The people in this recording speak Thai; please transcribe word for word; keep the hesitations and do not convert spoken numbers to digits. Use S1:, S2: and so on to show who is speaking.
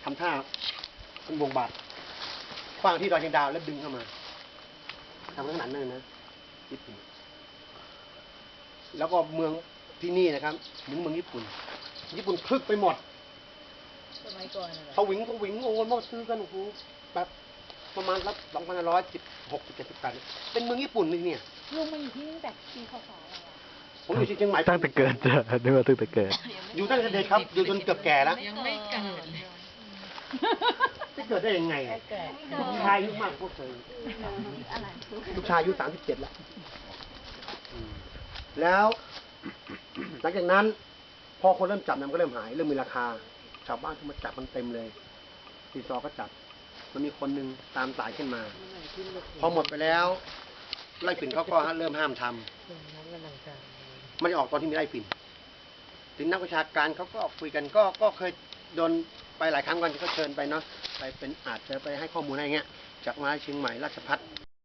S1: ทำท่าเป็นวงบาทขว้างที่ดอยเชียงดาวแล้วดึงเข้ามาทำขนาดนั้นนะญี่ปุ่นแล้วก็เมืองที่นี่นะครับเหมือนเมืองญี่ปุ่นญี่ปุ่นคึกไปหมด
S2: สมัยก่อน
S1: เขาวิ่งเขาวิ่งโอ้โหซื้อกันโอ้โหแบบประมาณรับสองพันร้อยสิบหกสิบเจ็ดสิบแปดเป็นเมืองญี่ปุ่นเลยเนี่ย
S2: ลุงมาอยู่ที่นี่ตั้งแต่ปีพศอะไรอ่ะ
S1: ผมอยู่ที่เชียงใหม่
S3: ตั้งแต่เกิดจ้ะนึกว่าตั้งแต่เกิด
S1: อยู่ตั้งแต่เด็กครับอยู่จนเกือบแก่แล้ว
S2: ยังไม่เกิด
S1: ไม่เกิดได้ยังไงลูกชายอายุมากพวกเธอลูกชายอายุสามสิบเจ็ดแล้วแล้วหลังจากนั้นพอคนเริ่มจับมันก็เริ่มหายเริ่มมีราคาชาวบ้านก็มาจับมันเต็มเลยตีซอก็จับมันมีคนหนึ่งตามสายขึ้นมาพอหมดไปแล้วไล่ฝิ่นเขาก็เริ่มห้ามทำไม่ได้ออกตอนที่มีไล่ฝิ่นถึงนักวิชาการเขาก็คุยกันก็ก็เคยโดนไปหลายครั้งกันที่เขาเชิญไปเนาะไปเป็นอาจจะไปให้ข้อมูลอะไรเงี้ยจากมหาวิทยาลัยเชียงใหม่ราชภัฏ